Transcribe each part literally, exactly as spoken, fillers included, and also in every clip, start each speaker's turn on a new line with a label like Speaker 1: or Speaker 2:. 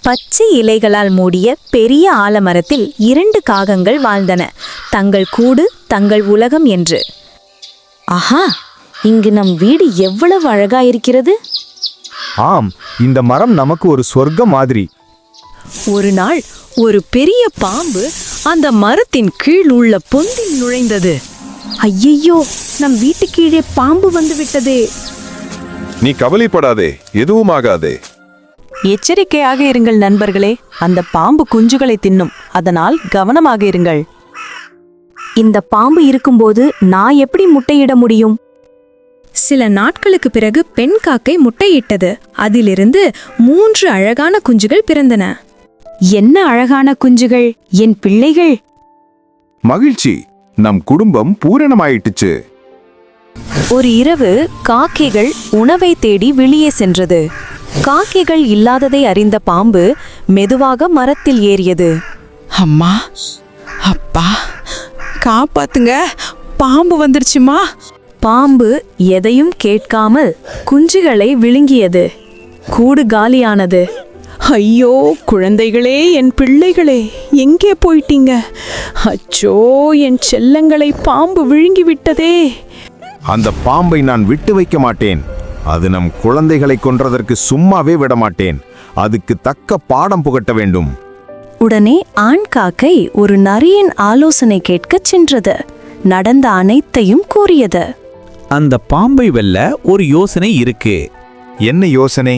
Speaker 1: பச்சை இலைகளால் மூடிய பெரிய ஆலமரத்தில் இரண்டு காகங்கள் வாழ்ந்தன, தங்கள் கூடு தங்கள் உலகம் என்று.
Speaker 2: ஆஹா, இங்கு நம் வீடு எவ்வளவு அழகாயிருக்கிறது!
Speaker 3: ஆம், இந்த மரம் நமக்கு ஒரு சொர்க்கம் மாதிரி.
Speaker 4: ஒரு நாள் ஒரு பெரிய பாம்பு அந்த மரத்தின் கீழ் உள்ள பொந்தில் நுழைந்தது.
Speaker 2: ஐயையோ, நம் வீட்டு கீழே பாம்பு வந்து விட்டதே!
Speaker 5: நீ கவலைப்படாதே, எதுவும் ஆகாதே.
Speaker 4: எச்சரிக்கையாக இருங்கள் நண்பர்களே, அந்த பாம்பு குஞ்சுகளை தின்னும், அதனால் கவனமாக இருங்கள்.
Speaker 2: இந்த பாம்பு இருக்கும்போது நான் எப்படி முட்டையிட முடியும்?
Speaker 1: சில நாட்களுக்கு பிறகு பெண் காக்கை முட்டையிட்டது. அதிலிருந்து மூன்று அழகான குஞ்சுகள் பிறந்தன.
Speaker 2: என்ன அழகான குஞ்சுகள், என் பிள்ளைகள்!
Speaker 5: மகிழ்ச்சி, நம் குடும்பம் பூரணமாயிட்டுச்சு.
Speaker 4: ஒரு இரவு காக்கைகள் உணவை தேடி வெளியே சென்றது. காக்கைகள் இல்லாததை அறிந்த பாம்பு மெதுவாக மரத்தில் ஏறியது.
Speaker 6: அம்மா, அப்பா, காப்பாத்துங்க, பாம்பு வந்துருச்சுமா!
Speaker 1: பாம்பு எதையும் கேட்காமல் குஞ்சுகளை விழுங்கியது. கூடு காலியானது.
Speaker 6: ஐயோ, குழந்தைகளே, என் பிள்ளைகளே, எங்கே போயிட்டீங்க? அச்சோ, என் செல்லங்களை பாம்பு விழுங்கி விட்டதே!
Speaker 3: அந்த பாம்பை நான் விட்டு வைக்க மாட்டேன். அது நம் குழந்தைகளை கொன்றதற்கு சும்மாவே விட மாட்டேன். அதுக்கு தக்க பாடம் புகட்ட வேண்டும்.
Speaker 2: உடனே ஆண் காக்கை ஒரு நரியின் ஆலோசனை கேட்கச் சென்றது. நடந்த அனைத்தையும் கூறியது.
Speaker 7: அந்த பாம்பை வெல்ல ஒரு யோசனை இருக்கு.
Speaker 3: என்ன யோசனை?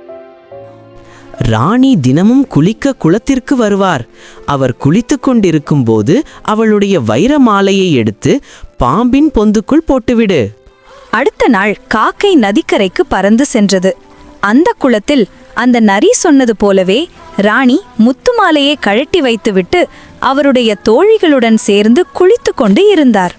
Speaker 8: ராணி தினமும் குளிக்க குளத்திற்கு வருவார். அவர் குளித்து கொண்டிருக்கும் போது அவளுடைய வைர மாலையை எடுத்து பாம்பின் பொந்துக்குள் போட்டுவிடு.
Speaker 1: அடுத்த நாள் காக்கை நதிக்கரைக்கு பறந்து சென்றது. அந்த குளத்தில் அந்த நரி சொன்னது போலவே ராணி முத்து மாலையை கழட்டி வைத்துவிட்டு அவருடைய தோழிகளுடன் சேர்ந்து குளித்து கொண்டு இருந்தார்.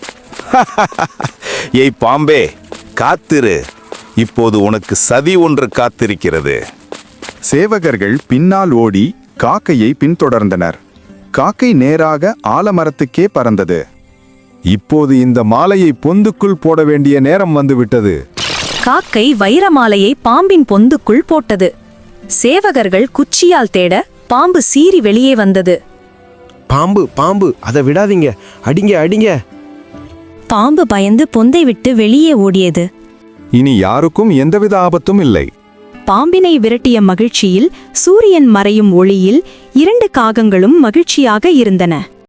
Speaker 5: ஏய் பாம்பே, காத்திரு, இப்போது உனக்கு சதி ஒன்று காத்திருக்கிறது.
Speaker 3: சேவகர்கள் பின்னால் ஓடி காக்கையை பின்தொடர்ந்தனர். காக்கை நேராக ஆலமரத்துக்கே பறந்தது. இப்போது இந்த மாலையை பொந்துக்குள் போட வேண்டிய நேரம் வந்துவிட்டது.
Speaker 1: காக்கை வைரமாலையை பாம்பின் பொந்துக்குள் போட்டது. சேவகர்கள் குச்சியால் தேட பாம்பு சீறி வெளியே வந்தது.
Speaker 9: பாம்பு பாம்பு அதை விடாதீங்க, அடிங்க அடிங்க!
Speaker 2: பாம்பு பயந்து பொந்தை விட்டு வெளியே ஓடியது.
Speaker 3: இனி யாருக்கும் எந்தவித ஆபத்தும் இல்லை.
Speaker 1: பாம்பினை விரட்டிய மகிழ்ச்சியில் சூரியன் மறையும் ஒளியில் இரண்டு காகங்களும் மகிழ்ச்சியாக இருந்தன.